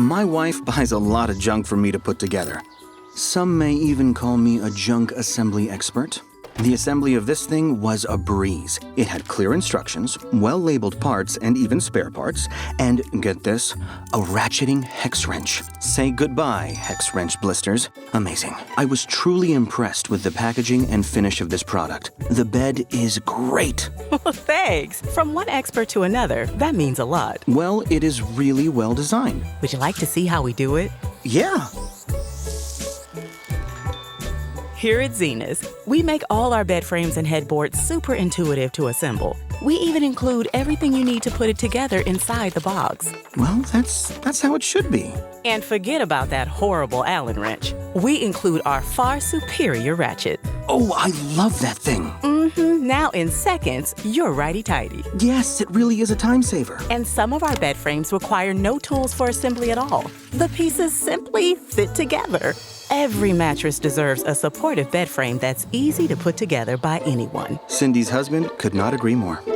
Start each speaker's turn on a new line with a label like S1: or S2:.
S1: My wife buys a lot of junk for me to put together. Some may even call me a junk assembly expert. The assembly of this thing was a breeze. It had clear instructions, well-labeled parts, and even spare parts, and, get this, a ratcheting hex wrench. Say goodbye, hex wrench blisters. Amazing. I was truly impressed with the packaging and finish of this product. The bed is great.
S2: Well, thanks. From one expert to another, that means a lot.
S1: Well, it is really well designed.
S2: Would you like to see how we do it?
S1: Yeah.
S2: Here at Zenus, we make all our bed frames and headboards super intuitive to assemble. We even include everything you need to put it together inside the box.
S1: Well, that's how it should be.
S2: And forget about that horrible Allen wrench. We include our far superior ratchet.
S1: Oh, I love that thing.
S2: Now in seconds, you're righty-tighty.
S1: Yes, it really is a time saver.
S2: And some of our bed frames require no tools for assembly at all. The pieces simply fit together. Every mattress deserves a supportive bed frame that's easy to put together by anyone.
S1: Cindy's husband could not agree more.